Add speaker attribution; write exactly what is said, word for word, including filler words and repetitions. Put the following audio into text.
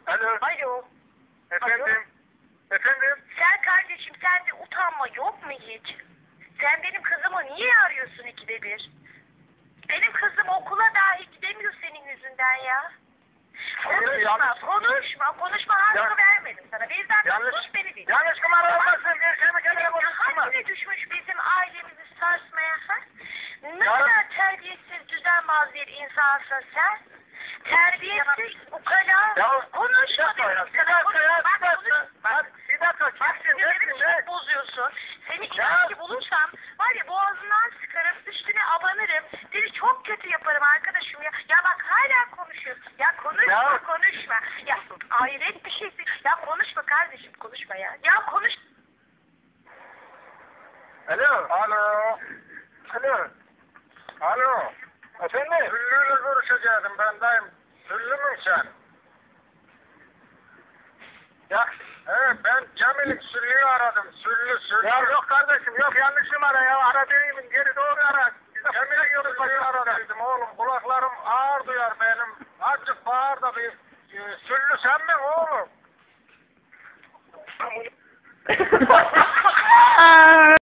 Speaker 1: Alo.
Speaker 2: Alo.
Speaker 1: Efendim. Efendim.
Speaker 2: Sen kardeşim sende utanma yok mu hiç? Sen benim kızımı niye arıyorsun ikide bir? Benim kızım okula dahi gidemiyor senin yüzünden ya. Konuşma,
Speaker 1: yanlış-
Speaker 2: konuşma, konuşma hakkı
Speaker 1: Ya-
Speaker 2: vermedim sana. Bizden
Speaker 1: Yanlış,
Speaker 2: sus beni dinle.
Speaker 1: yanlış numara olmasın. Bir şey mi kendine konuşturma.
Speaker 2: Haddine düşmüş bizim ailemizi sarsmaya ha? Ne
Speaker 1: Ya-
Speaker 2: kadar terbiyesiz, düzenbaz bir insansın sen. Terbiyesiz, ukala.
Speaker 1: Ya
Speaker 2: Konuşma
Speaker 1: bir dakika ya,
Speaker 2: dedim
Speaker 1: bir
Speaker 2: sana,
Speaker 1: dakika ya,
Speaker 2: konuşma.
Speaker 1: bir dakika. Bak, bir dakika,
Speaker 2: Bak
Speaker 1: kimsin,
Speaker 2: sinirlerimi
Speaker 1: nesin, ne?
Speaker 2: çok bozuyorsun. Seni
Speaker 1: Ya-
Speaker 2: inan ki bulursam var ya boğazından sıkarım, üstüne abanırım. Seni çok kötü yaparım arkadaşım ya. Ya bak hala konuşuyor. Ya konuşma
Speaker 1: Ya-
Speaker 2: konuşma. Ya hayret bir şeysin. Ya konuşma kardeşim konuşma ya. Ya konuş.
Speaker 1: Alo. Alo. Alo. Alo. Efendim? Süllü'yle görüşecektim ben dayım. Süllü mü sen? Ya, evet ben Cemil'im Süllü'yü aradım. Süllü, Süllü. Ya yok kardeşim yok yanlış numara ya. Aradığımın geri doğru ara. Cemil'e görüşmeyi aradım oğlum. Kulaklarım ağır duyar benim. Azıcık bağır da bir. E, Süllü sen mi oğlum?